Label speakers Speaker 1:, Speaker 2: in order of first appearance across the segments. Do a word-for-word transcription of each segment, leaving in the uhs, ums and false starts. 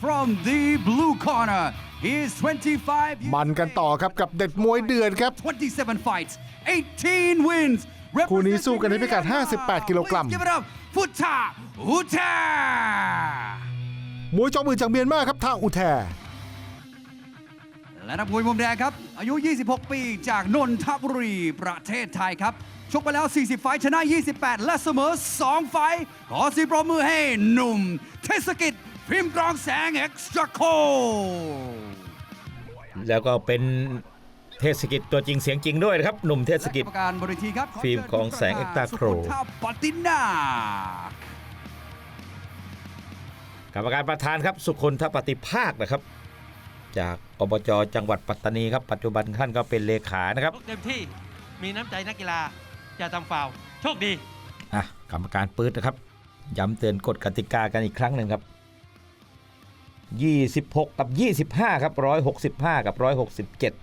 Speaker 1: from the blue corner he is twenty-five
Speaker 2: มันกันต่อครับกับเด็ดมวยเดือดครับ
Speaker 1: twenty-seven fights eighteen wins
Speaker 2: คู่นี้สู้กันในพิกัดห้าสิบแปดกิโลกรัม
Speaker 1: Please give it up Phutta Uta
Speaker 2: มวยจอมือจากเมียนมาครับทาอุแท
Speaker 1: และนักมวยมุมแดงครับอายุยี่สิบหกปีจากนนทบุรีประเทศไทยครับชกไปแล้วสี่สิบไฟท์ชนะยี่สิบแปดและเสมอสองไฟท์ขอเสียงปรบมือให้หนุ่มเทศกิจพิมพ์กรองแสงเอ็กซ์ตร้าโค
Speaker 3: แล้วก็เป็นเทศกิจตัวจริงเสียงจริงด้วยนะครับหนุ่มเทศกิจ
Speaker 1: กรรมการบริทีครับ
Speaker 3: ฟิล์มของแสงเอ็กซ์ตร้าโคร
Speaker 1: ปตินาก
Speaker 3: รรมการประธานครับสุคนทปฏิภาคนะครับจากอบจจังหวัดปัตตานีครับปัจจุบันท่านก็เป็นเลขานะครับ
Speaker 4: เต็มที่มีน้ำใจนักกีฬาจะทำฟาวล์โชคดี
Speaker 3: อ่ะกรรมการปื๊ดนะครับย้ำเตือนกฎกติกากันอีกครั้งหนึ่งครับยี่สิบหกกับยี่สิบห้าครับหนึ่งร้อยหกสิบห้ากับหนึ่งร้อยหกสิบเจ็ด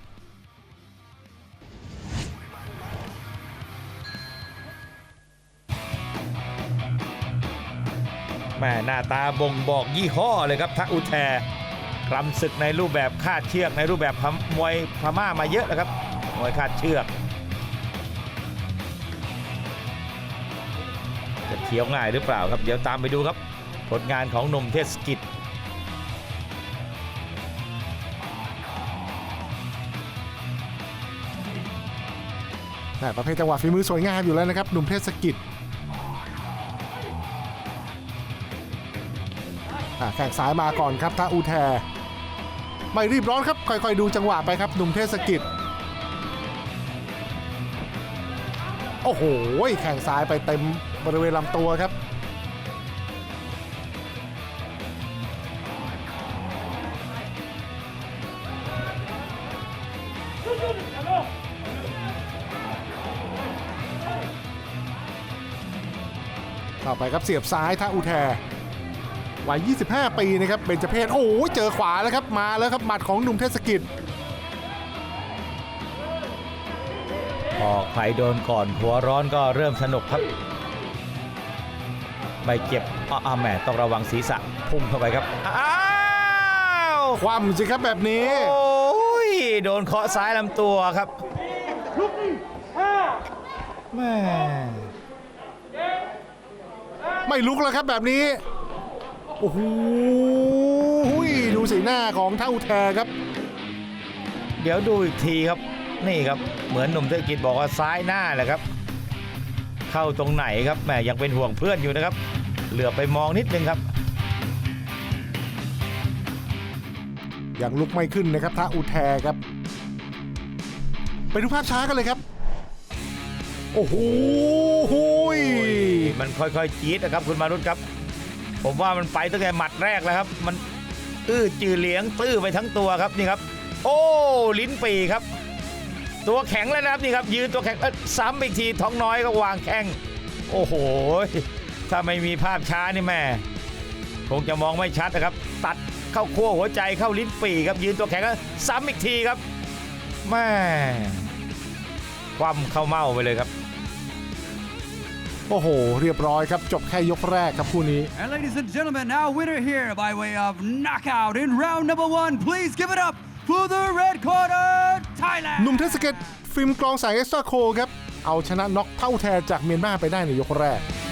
Speaker 3: แม่หน้าตาบ่งบอกยี่ห้อเลยครับทะอุแทรำศึกในรูปแบบคาดเชือกในรูปแบบมวยพม่ามาเยอะนะครับมวยคาดเชือกจะเคี้ยวง่ายหรือเปล่าครับเดี๋ยวตามไปดูครับผลงานของหนุ่มเทศกิจ
Speaker 2: ประเภทจังหวะฝีมือสวยงามอยู่แล้วนะครับหนุ่มเทศกิจแข่งซ้ายมาก่อนครับทาอุแทไม่รีบร้อนครับค่อยๆดูจังหวะไปครับหนุ่มเทศกิจโอ้โหแข่งซ้ายไปเต็มบริเวณลำตัวครับต่อไปครับเสียบซ้ายทาอุแทวัยยี่สิบห้าปีนะครับเบญจเพศโอ้ยเจอขวาแล้วครับมาแล้วครับหมัดของหนุ่มเทศกิจ
Speaker 3: พอใครโดนก่อนหัวร้อนก็เริ่มสนุกครับไม่เจ็บอ้าวแม่ต้องระวังศีรษะพุ่งเข้าไปครับอ้าว
Speaker 2: คว่ำสิครับแบบนี้
Speaker 3: โอ้ยโดนเคาะซ้ายลำตัวครับแม่
Speaker 2: ไม่ลุกแล้วครับแบบนี้โอ้โหดูสีหน้าของทาอุแทครับ
Speaker 3: เดี๋ยวดูอีกทีครับนี่ครับเหมือนหนุ่มเทศกิจบอกว่าซ้ายหน้าแหละครับเข้าตรงไหนครับแหมยังเป็นห่วงเพื่อนอยู่นะครับเหลือไปมองนิดนึงครับ
Speaker 2: ยังลุกไม่ขึ้นนะครับทาอุแทครับไปดูภาพช้ากันเลยครับโอ้โห
Speaker 3: มันค่อยๆจี๊ดนะครับคุณมารุตครับผมว่ามันไปตั้งแต่หมัดแรกแล้วครับมันอื้อจือเหลียงตื้อไปทั้งตัวครับนี่ครับโอ้ลิ้นปีครับตัวแข็งแล้วนะครับนี่ครับยืนตัวแข็งซ้ำอีกทีท้องน้อยก็วางแข้งโอ้โหถ้าไม่มีภาพช้านี่แม่คงจะมองไม่ชัดนะครับตัดเข้าขั้วหัวใจเข้าลิ้นปีครับยืนตัวแข็งแล้วซ้ำอีกทีครับแม่คว่ำเข้าเม้าไปเลยครับ
Speaker 2: โอ้โหเรียบร้อยครับจบแค่ยกแรกครับคู่นี้
Speaker 1: And ladies and gentlemen now winner here by way of knockout in round number one please give it up for the red corner Thailand
Speaker 2: หนุ่มเทศกิจฟิล์มกรองแสงเอ็กซ์ตร้าโคครับเอาชนะน็อกเท่าแทจากเมียนมาไปได้ในยกแรก